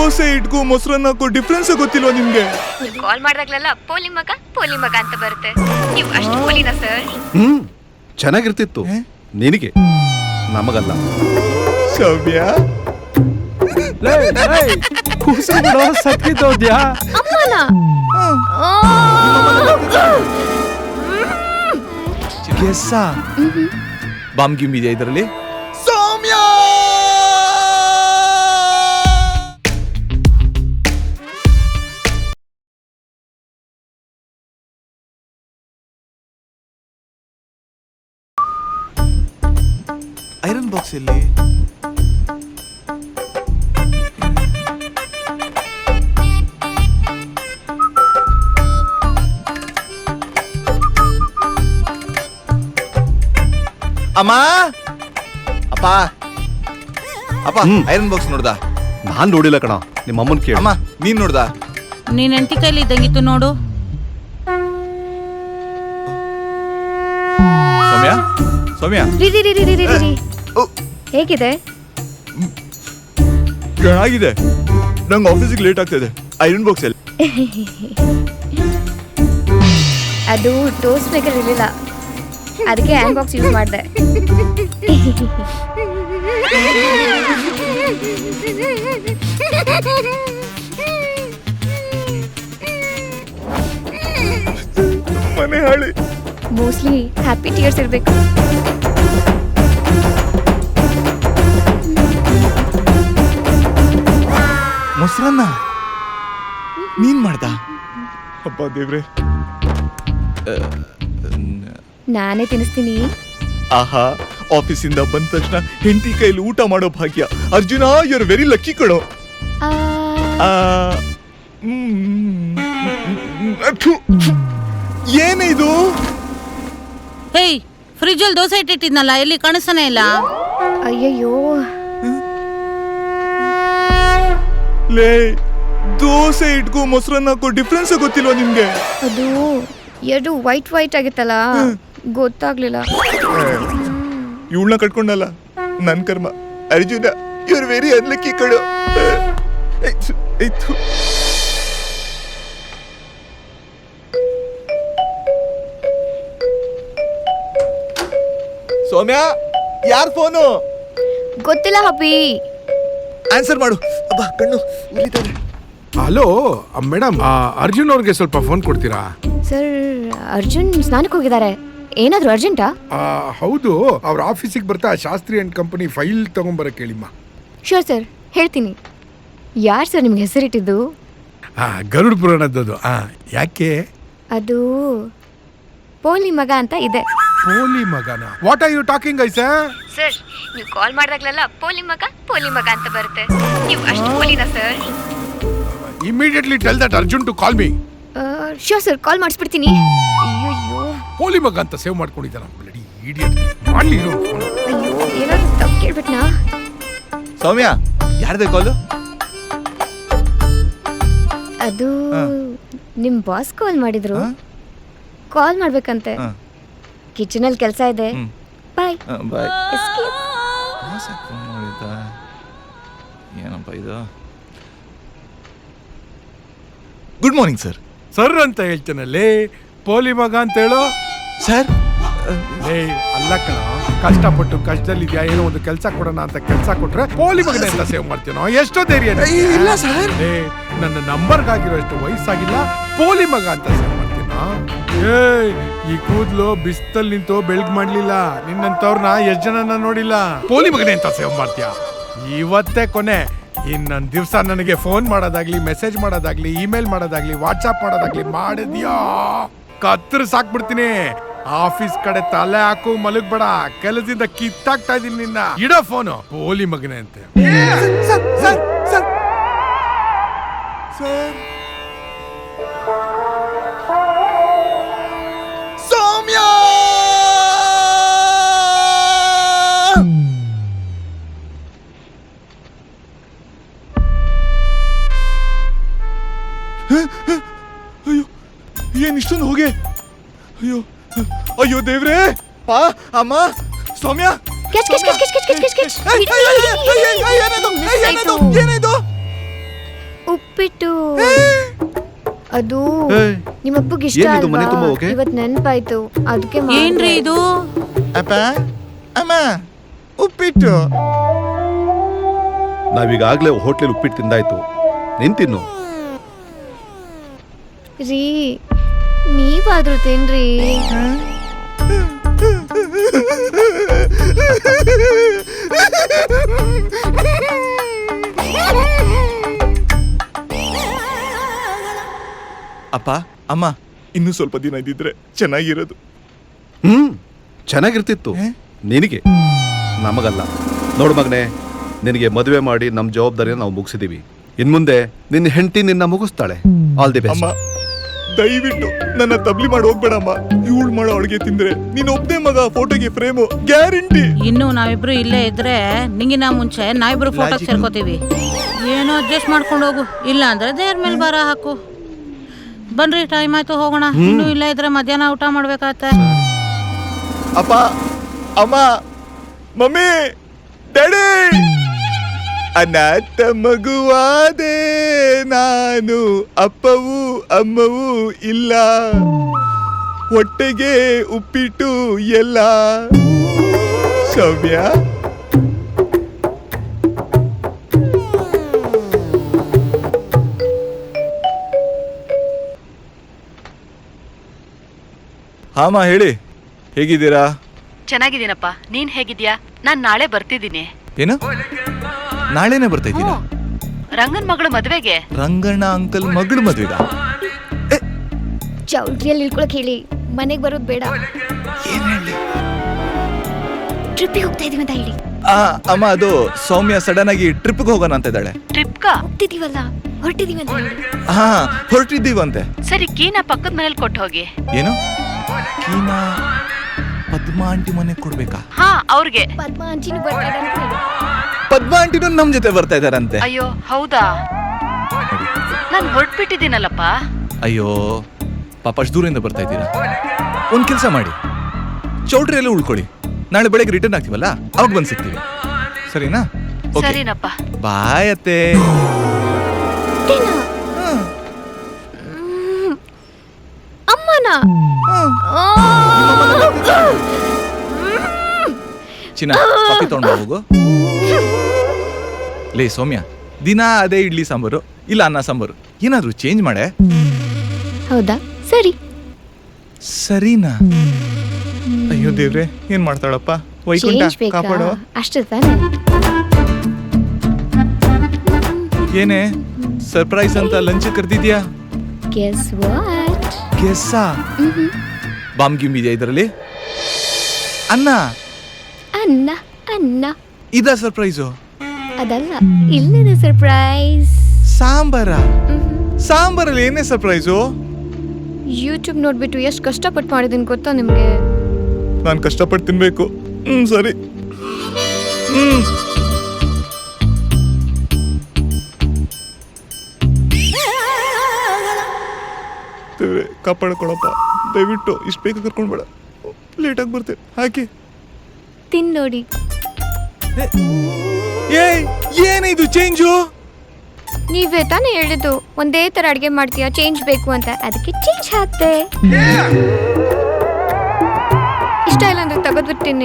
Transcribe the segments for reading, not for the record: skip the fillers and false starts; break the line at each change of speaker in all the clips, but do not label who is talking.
ದೋಸೆ ಇಟ್ಗೂ ಮೊಸರನ್ನ ಡಿಫ್ರೆನ್ಸ್ ಗೊತ್ತಿಲ್ವಾ ನಿಮ್ಗೆ?
ಕಾಲ್ ಮಾಡಿದಾಗ್ಲೆಲ್ಲ ಪೋಲಿ ಮಗ ಅಂತ ಬರುತ್ತೆ. ನೀವು ಅಷ್ಟು ಪೋಲಿನಾ ಸರ್?
ಚೆನ್ನಾಗಿರ್ತಿತ್ತು ನಿನಗೆ, ನಮಗಲ್ಲ.
ಸೌಮ್ಯ
ಸತ್ತಿದ್ದೋದ್ಯಾ
ಬಾಂಬ್ ಗಿಮ್ ಇದೆಯಾ ಇದರಲ್ಲಿ? ಸೌಮ್ಯ ಐರನ್ ಬಾಕ್ಸ್ ಎಲ್ಲಿ? ಅಮ್ಮ ಅಪ್ಪ ಅಪ್ಪ ಐರನ್ ಬಾಕ್ಸ್ ನೋಡ್ದ?
ನಾನ್ ನೋಡಿಲ್ಲ ಕಣ, ನಿಮ್ಮ ಅಮ್ಮನ್ ಕೇಳ.
ಅಮ್ಮ ನೀನ್ ನೋಡ್ದ?
ನೀನ್ ಹೆಂಡತಿ ಕೈಲಿ ಇದ್ದಂಗಿತ್ತು ನೋಡು.
ಸೌಮ್ಯ ಸೌಮ್ಯ
ಹೇಗಿದೆ?
ಚೆನ್ನಾಗಿದೆ. ನಂಗೆ ಆಫೀಸಿಗೆ ಲೇಟ್ ಆಗ್ತಿದೆ. ಐರನ್ ಬಾಕ್ಸ್ ಎಲ್ಲಿ?
ಅದು ಟೋಸ್ಟ್ ಮೇಕರ್ ಇರಲಿಲ್ಲ, ಅದಕ್ಕೆ ಹ್ಯಾಂಡ್ ಬಾಕ್ಸ್ ಯೂಸ್ ಮಾಡಿದೆ.
ಮನೆ ಹಾಳಿ.
ಮೋಸ್ಟ್ಲಿ ಹ್ಯಾಪಿ ಟಿಯರ್ಸ್ ಇರಬೇಕು.
ಮೊಸರನ್ನ ನೀನ್ ಮಾಡ್ದ? ಅಪ್ಪ ದೇವ್ರೆ,
ನಾನೇ ತಿನ್ನಿಸ್ತೀನಿ.
ಆಹಾ, ಆಫೀಸಿಂದ ಬಂದ ತಕ್ಷಣ ಹೆಂಡತಿ ಕೈಲಿ ಊಟ ಮಾಡೋ ಭಾಗ್ಯ. Arjuna, you are very lucky ಕಣೋ. ಏನಿದು?
ಹೇಯ್, ಫ್ರಿಜ್ ಅಲ್ಲಿ ದೋಸೆ ಇಟ್ಟಿಟ್ಟಿದ್ನಲ್ಲ, ಎಲ್ಲಿ ಕಾಣಿಸ್ತಾನೆ ಇಲ್ಲ.
ಅಯ್ಯಯ್ಯೋ,
ಲೇ, ದೋಸೆ ಇಟ್ಗೂ ಮೊಸರನ್ನ ಡಿಫ್ರೆನ್ಸ್ ಗೊತ್ತಿಲ್ವಾ ನಿಮ್ಗೆ?
ಅದು ಎರಡು ವೈಟ್ ಆಗಿತ್ತಲ್ಲ, ಗೊತ್ತಾಗ್ಲಿಲ್ಲ.
ಇವಳನ್ನ ಕಟ್ಕೊಂಡಲ್ಲ, ನನ್ ಕರ್ಮ. Arjuna, you are very unlucky ಕಣೋ. ಸೌಮ್ಯ, ಯಾರ್ ಫೋನು?
ಗೊತ್ತಿಲ್ಲ ಹಬ್ಬಿ.
ಆನ್ಸರ್ ಮಾಡು. ಅಬ್ಬಾ, ಕಣ್ಣು ಉರಿತಾರೆ.
ಹಲೋ ಮೇಡಮ್, ಅರ್ಜುನ್ ಅವ್ರಿಗೆ ಸ್ವಲ್ಪ ಫೋನ್ ಕೊಡ್ತೀರಾ?
ಸರ್, ಅರ್ಜುನ್ ಸ್ನಾನಕ್ಕೆ ಹೋಗಿದ್ದಾರೆ. ಏನಾದ್ರು ಅರ್ಜೆಂಟಾ?
ಹೌದು, ಅವ್ರ ಆಫೀಸಿಗೆ ಬರ್ತಾ ಶಾಸ್ತ್ರಿ ಅಂಡ್ ಕಂಪನಿ ಫೈಲ್ ತಗೊಂಬರಕ್ಕೆ ಹೇಳಿಮ್ಮ.
ಶೋರ್ ಸರ್, ಹೇಳ್ತೀನಿ. ಯಾರು ಸರ್ ನಿಮ್ಗೆ ಹೆಸರಿಟ್ಟಿದ್ದು?
ಗರುಡ್ ಪುರಾಣದ್ದು. ಯಾಕೆ?
ಅದು ಪೋಲಿ ಮಗ ಅಂತ ಇದೆ.
ಪೋಲಿ ಮಗನ? What are you talking I sir?
Sir, ನೀವು ಕಾಲ್ ಮಾಡಿದಾಗ್ಲೆಲ್ಲ ಪೋಲಿ ಮಗ ಅಂತ ಬರುತ್ತೆ. ನೀವು ಅಷ್ಟು ಪೋಲಿನಾ ಸರ್?
Immediately tell that Arjun to call me.
Sure sir, call ಮಾಡಿಸ್ಬಿಡ್ತೀನಿ. ಅಯ್ಯೋ,
ಪೋಲಿ ಮಗ ಅಂತ ಸೇವ್ ಮಾಡ್ಕೊಂಡಿದ್ದಾನ. Bloody idiot. ಮಾಡ್ಲಿ ಇರು.
ಅಯ್ಯೋ, ಏನಾದ್ರು ತಪ್ಪು ಕೇಳ್ಬಿಟ್ನಾ?
ಸೌಮ್ಯ, ಯಾರ್ದೇ ಕಾಲು?
ಅದು ನಿಮ್ ಬಾಸ್ ಕಾಲ್ ಮಾಡಿದ್ರು. ಕಾಲ್ ಮಾಡ್ಬೇಕಂತೆ. ಕಿಚನಲ್ಲಿ ಕೆಲಸ ಇದೆ. Bye
bye.
ಎಸ್ಕೇಪ್.
ಏನಪ್ಪ ಇದು? Good morning sir.
ಸರ್ ಅಂತ ಹೇಳ್ತೇನಲ್ಲಿ, ಪೋಲಿ ಮಗ ಅಂತ ಹೇಳೋ.
ಸರ್,
ಅಲ್ಲ ಕಣ, ಕಷ್ಟಪಟ್ಟು ಕಷ್ಟದಲ್ಲಿದ್ಯಾ, ಏನೋ ಒಂದು ಕೆಲಸ ಕೊಡೋಣ ಅಂತ ಕೆಲಸ ಕೊಟ್ರೆ ಪೋಲಿ ಮಗನೇ ಅಂತ ಸೇವ್ ಮಾಡ್ತೀನೋ? ಎಷ್ಟೋ ಧೈರ್ಯ?
ಇಲ್ಲ ಸರ್.
ನನ್ನ ನಂಬರ್ಗಾಗಿರೋ ಎಷ್ಟು ವಯಸ್ಸಾಗಿಲ್ಲ, ಪೋಲಿ ಮಗ ಅಂತ ಸೇವ್ ಮಾಡ್ತೀನೋ? ಈ ಕೂದ್ಲು ಬಿಸ್ತಲ್ ನಿಂತು ಬೆಳಗ್ ಮಾಡ್ಲಿಲ್ಲ. ನಿನ್ನಂತವ್ರನ್ನ ಎಷ್ಟ್ ಜನನ ನೋಡಿಲ್ಲ. ಪೋಲಿ ಮಗನೇ ಅಂತ ಸೇವ್ ಮಾಡ್ತೀಯ? ಇವತ್ತೇ ಕೊನೆ. ಇನ್ನೊಂದ್ ದಿವ್ಸ ನನಗೆ ಫೋನ್ ಮಾಡೋದಾಗ್ಲಿ, ಮೆಸೇಜ್ ಮಾಡೋದಾಗ್ಲಿ, ಇಮೇಲ್ ಮಾಡೋದಾಗ್ಲಿ, ವಾಟ್ಸಾಪ್ ಮಾಡೋದಾಗ್ಲಿ ಮಾಡಿದ್ಯಾ, ಕತ್ತರ್ ಸಾಕ್ಬಿಡ್ತೀನಿ. ಆಫೀಸ್ ಕಡೆ ತಲೆ ಹಾಕು, ಮಲಗ್ಬೇಡ. ಕೆಲಸದಿಂದ ಕಿತ್ತಾಕ್ತಾ ಇದೀನಿ ನಿನ್ನ. ಇಡೋ ಫೋನು. ಪೋಲಿ ಮಗನೇ ಅಂತ.
ಸೌಮ್ಯ, ಅಯ್ಯೋ, ಏನ್ ಇಷ್ಟೊಂದು ಹೋಗೆ? ಅಯ್ಯೋ ಅಯ್ಯೋ ದೇವ್ರೇ. ಅಮ್ಮ, ಸೌಮ್ಯ,
ಕ್ಯಾಚ್.
ಏನಿದು?
ಉಪ್ಪಿಟ್ಟು ಅದು
ಏಯ್,
ನಿಮ್ಮಪ್ಪಗೆ ಇಷ್ಟ
ಏನಿದು ಮನೆ
ಅಲ್ವಾ?
ತುಂಬಾ ಓಕೆ?
ಇವತ್ ನೆನ್ಪಾಯ್ತು ಅದಕ್ಕೆ
ಏನ್ರಿ ಇದು?
ಅಪ್ಪ ಅಮ್ಮ ಉಪ್ಪಿಟ್ಟು.
ನಾವೀಗಾಗ್ಲೇ ಹೋಟ್ಲಲ್ಲಿ ಉಪ್ಪಿಟ್ಟು ತಿಂದಾಯ್ತು, ನೀನ್ ತಿನ್ನು.
ರೀ ನೀವಾದ್ರೂ ತಿನ್ರಿ.
ಅಪ್ಪ ಅಮ್ಮ ಇನ್ನೂ ಸ್ವಲ್ಪ ದಿನ ಇದ್ದಿದ್ರೆ ಚೆನ್ನಾಗಿರೋದು.
ಚೆನ್ನಾಗಿರ್ತಿತ್ತು
ಏ?
ನಿನಗೆ, ನಮಗಲ್ಲ. ನೋಡು ಮಗನೇ, ನಿನಗೆ ಮದುವೆ ಮಾಡಿ ನಮ್ಮ ಜವಾಬ್ದಾರಿನ ನಾವು ಮುಗಿಸಿದೀವಿ. ಇನ್ಮುಂದೆ ನಿನ್ನ ಹೆಂಡತಿ ನಿನ್ನ ಮುಗಿಸ್ತಾಳೆ. ಆಲ್ ದಿ
ಅಮ್ಮ
ಬೆಸ್ಟ್.
ದಯವಿಟ್ಟು ನನ್ನ ತಬ್ಲಿ ಮಾಡಿ ಹೋಗ್ಬೇಡಮ್ಮ. ಇವಳು ಮಾಡೋ ಅಡುಗೆ ತಿಂದ್ರೆ ನೀನ್ ಒಬ್ಬನೇ ಮಗ ಫೋಟೋಗೆ ಫ್ರೇಮು ಗ್ಯಾರಂಟಿ.
ಇನ್ನು ನಾವಿಬ್ರು ಇಲ್ಲೇ ಇದ್ರೆ ನಿಂಗಿನ ಮುಂಚೆ ನಾವಿಬ್ರು ಫೋಟೋ
Logic.
ಸೇರ್ಕೋತೀವಿ. ಏನೋ ಅಡ್ಜಸ್ಟ್ ಮಾಡ್ಕೊಂಡು ಹೋಗು, ಇಲ್ಲ ಅಂದ್ರೆ ದೇವ್ರ ಮೇಲೆ ಭಾರ ಹಾಕು. ಬನ್ರಿ, ಟೈಮ್ ಆಯ್ತು, ಹೋಗೋಣ. ಇನ್ನು ಇಲ್ಲ ಇದ್ರೆ ಮಧ್ಯಾಹ್ನ ಊಟ ಮಾಡ್ಬೇಕಾಗತ್ತೆ.
ಅಪ್ಪ ಅಮ್ಮ ಮಮ್ಮಿ ಡ್ಯಾಡಿ, ಅನಾಥ ಮಗುವಾದೆ ನಾನು, ಅಪ್ಪವೂ ಅಮ್ಮವೂ ಇಲ್ಲ, ಹೊಟ್ಟೆಗೆ ಉಪ್ಪಿಟ್ಟು ಎಲ್ಲ. ಸೌಮ್ಯ ಹಾಮ ಹೇಳಿ, ಹೇಗಿದ್ದೀರಾ?
ಚೆನ್ನಾಗಿದ್ದೀನಪ್ಪ, ನೀನ್ ಹೇಗಿದ್ಯಾ? ನಾನ್ ನಾಳೆ ಬರ್ತಿದ್ದೀನಿ.
ಏನು ನಾಳೆನೆ ಬರ್ತಾ ಇದ್ದೀರಾ?
ರಂಗನ್ ಮಗಳು ಮದ್ವೆಗೆ.
ರಂಗಣ್ಣ ಅಂಕಲ್ ಮಗಳ ಮದ್ವೆಗ?
ಚೌಲ್ಟ್ರಿಯಲ್ಲಿ ಇಳ್ಕೊಳಕ್ ಹೇಳಿ, ಮನೆಗ್ ಬರೋದ್ ಬೇಡ.
ಏನ್ ಹೇಳಿ?
ಟ್ರಿಪ್ಪಿಗೆ ಹೋಗ್ತಾ ಇದೀವಿ ಅಂತ ಹೇಳಿ.
ಅಮ್ಮ ಅದು ಸೌಮ್ಯ ಸಡನ್ ಆಗಿ ಟ್ರಿಪ್ಗೆ ಹೋಗೋಣ ಅಂತ ಇದ್ದಾಳೆ.
ಟ್ರಿಪ್ಗಾ?
ಹೋಗ್ತಿದೀವಲ್ಲ, ಹೊರಟಿದೀವಿ ಅಂತ ಹೇಳಿ.
ಹಾ ಹೊರಟಿದ್ದೀವಂತೆ.
ಸರಿ, ಕೀನ ಪಕ್ಕದ ಮನೇಲಿ ಕೊಟ್ಟು ಹೋಗಿ.
ಏನು ಕೀನ ಪದ್ಮಾ ಆಂಟಿ ಮನೆಗೆ ಕೊಡ್ಬೇಕಾ?
ಹಾ, ಅವ್ರಿಗೆ.
ಪದ್ಮ ಅಂಚಿನೂ ಬರ್ತಾ ಇದ್ದಾರೆ ಅಂತ ಹೇಳಿ.
ಪದ್ಮಾ ಆಂಟಿನೂ ನಮ್ ಜೊತೆ ಬರ್ತಾ ಇದಾರಂತೆ.
ಅಯ್ಯೋ ಹೌದಾ? ನಾನ್ ಹೊರಟ್ಬಿಟ್ಟಿದ್ದೀನಲ್ಲಪ್ಪ.
ಅಯ್ಯೋ ಪಾಪ ಅಷ್ಟು ದೂರದಿಂದ ಬರ್ತಾ ಇದ್ದೀರಾ. ಒಂದ್ ಕೆಲಸ ಮಾಡಿ, ಚೌಟ್ರಿಯಲ್ಲೇ ಉಳ್ಕೊಳ್ಳಿ. ನಾಳೆ ಬೆಳಗ್ಗೆ ರಿಟರ್ನ್ ಆಗ್ತೀವಲ್ಲ, ಅವಾಗ ಬಂದ್ ಸಿಗ್ತೀವಿ. ಸರಿನಾ? ಓಕೆ,
ಸರಿನಪ್ಪ.
ಬಾಯ್ ಅತ್ತೆ.
ಅಷ್ಟೇನಾ? ಅಮ್ಮನ
ಚಿನ್ನ ಕಾಫಿ ತಗೊಂಡ್ ಹೋಗು. ಲೇ ಸೌಮ್ಯ, ದಿನ ಅದೇ ಇಡ್ಲಿ ಸಾಂಬಾರು ಇಲ್ಲ ಅನ್ನ ಸಾಂಬಾರು, ಏನಾದ್ರೂ ಚೇಂಜ್ ಮಾಡೆ.
ಹೌದಾ? ಸರಿ.
ಸರಿನಾ? ಅಯ್ಯೋ ದೇವ್ರೆ, ಏನ್ ಮಾಡ್ತಾಳಪ್ಪ? ವೈಕುಂಠ
ಚೇಂಜ್ ಬೇಕಾ?
ಕಾಪಾಡು.
ಅಷ್ಟೇ ತಾನೆ?
ಏನೇ ಸರ್ಪ್ರೈಸ್ ಅಂತ ಲಂಚ್ ಕರ್ದಿದ್ಯಾ?
Guess what?
ಗೆಸ್ಸಾ? ಬಾಂಬ್ ಗಿಮ್ ಇದೆಯಾ ಇದರಲ್ಲಿ? ಅನ್ನ
ಅನ್ನ ಅನ್ನ.
ಇದ ಸರ್ಪ್ರೈಸು?
ಅದಲ್ಲ, ಇಲ್ಲಿದೆ ಸರ್ಪ್ರೈಸ್.
ಸಾಂಬಾರ? ಸಾಂಬಾರಲ್ಲಿ ಏನೇ ಸರ್ಪ್ರೈಸು?
ಯೂಟ್ಯೂಬ್ ನೋಡ್ಬಿಟ್ಟು ಎಷ್ಟು ಕಷ್ಟಪಟ್ಟು ಮಾಡಿದೀನಿ ಗೊತ್ತಾ ನಿಮ್ಗೆ?
ನಾನು ಕಷ್ಟಪಟ್ಟು ತಿನ್ಬೇಕು. ಸರಿ. ದೇವ್ರೆ ಕಾಪಾಡ್ಕೊಳಪ್ಪ, ದಯವಿಟ್ಟು ಇಷ್ಟು ಬೇಗ ಕರ್ಕೊಂಡ್ಬೇಡ. ಲೇಟಾಗಿ ಬರ್ತೇನೆ. ಹಾಕಿ
ತಿನ್ ನೋಡಿ.
ಏನಿದು ಚೇಂಜು?
ನೀವೇ ತಾನೇ ಹೇಳಿದ್ದು ಒಂದೇ ತರ ಅಡ್ಗೆ ಮಾಡ್ತೀಯಾ, ಚೇಂಜ್ ಬೇಕು ಅಂತ, ಅದಕ್ಕೆ ಚೇಂಜ್ ಹಾಕ್ತೆ. ಇಷ್ಟ ಇಲ್ಲ ಅಂದ್ರೆ ತೆಗೆದ್ಬಿಡ್ತೀನಿ.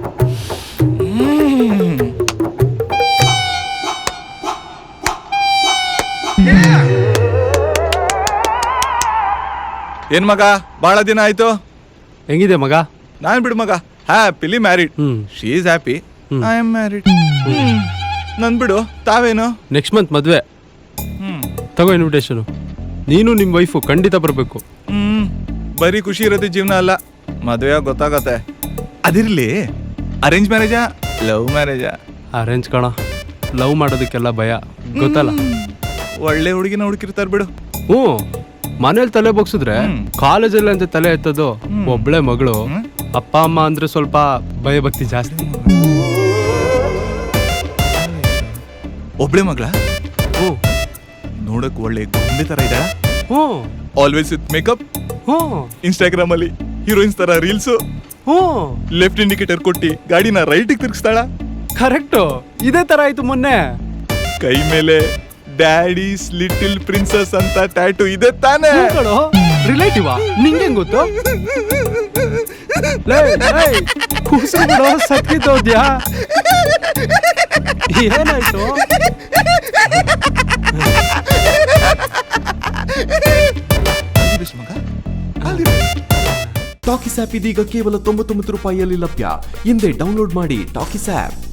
ಏನ್ ಮಗ, ಬಹಳ ದಿನ ಆಯ್ತು.
ಹೆಂಗಿದೆ ಮಗ?
ನಾನ್ ಬಿಡು ಮಗ, happily married.
Hmm.
She is happy, I am married. ನನ್ ಬಿಡು, ತಾವೇನು?
ನೆಕ್ಸ್ಟ್ ಮಂತ್ ಮದುವೆ. ತಗೋ ಇನ್ವಿಟೇಷನು. ನೀನು ನಿಮ್ಮ ವೈಫು ಖಂಡಿತ ಬರಬೇಕು.
ಬರೀ ಖುಷಿ ಇರೋದೇ ಜೀವನ ಅಲ್ಲ, ಮದುವೆ ಗೊತ್ತಾಗತ್ತೆ. ಅದಿರ್ಲಿ, ಅರೇಂಜ್ ಮ್ಯಾರೇಜಾ ಲವ್ ಮ್ಯಾರೇಜಾ?
ಅರೇಂಜ್ ಕಣ. ಲವ್ ಮಾಡೋದಕ್ಕೆಲ್ಲ ಭಯ, ಗೊತ್ತಲ್ಲ.
ಒಳ್ಳೆ ಹುಡುಗಿನ ಹುಡುಕಿರ್ತಾರ ಬಿಡು.
ಹ್ಞೂ, ಮನೇಲಿ ತಲೆ ಬಗ್ಸಿದ್ರೆ ಕಾಲೇಜಲ್ಲಿ ಅಂತ ತಲೆ ಎತ್ತೋದು. ಒಬ್ಳೆ ಮಗಳು, ಅಪ್ಪ ಅಮ್ಮ ಅಂದ್ರೆ ಸ್ವಲ್ಪ ಭಯಭಕ್ತಿ ಜಾಸ್ತಿ.
ಒಬ್ಳೆ ಮಗಳ?
ಹ್ಞೂ
ನೋಡಕ್ ಒಳ್ಳೆ ಗೊಂಬೆ ತರ ಇದ್ದಾಳ.
ಹ್ಞೂ
ಆಲ್ವೇಸ್ ವಿತ್ ಮೇಕಪ್.
ಹ್ಞೂ
ಇನ್ಸ್ಟಾಗ್ರಾಮ್ ಅಲ್ಲಿ ಹೀರೋಯಿನ್ಸ್ ತರ ರೀಲ್ಸ್.
ಹ್ಞೂ
ಲೆಫ್ಟ್ ಇಂಡಿಕೇಟರ್ ಕೊಟ್ಟಿ ಗಾಡಿನ ರೈಟ್ ತಿರ್ಗಿಸ್ತಾಳ.
ಕರೆಕ್ಟು. ಇದೇ ತರ ಆಯ್ತು ಮೊನ್ನೆ.
ಕೈ ಮೇಲೆ ಡ್ಯಾಡೀಸ್ ಲಿಟಲ್ ಪ್ರಿನ್ಸಸ್ ಅಂತ ಟ್ಯಾಟೂ ಇದೆ ತಾನೇ?
ರಿಲೇಟಿವ್ ನಿಂಗೆ ಗೊತ್ತು? ಸತ್ತಿದ್ದೋದ್ಯಾ ಏನಾಯ್ತು?
ಟಾಕಿಸ್ ಆಪ್ ಇದೀಗ ಕೇವಲ 99 ರೂಪಾಯಿಯಲ್ಲಿ ಲಭ್ಯ. ಹಿಂದೆ ಡೌನ್ಲೋಡ್ ಮಾಡಿ ಟಾಕಿಸ್ ಆಪ್.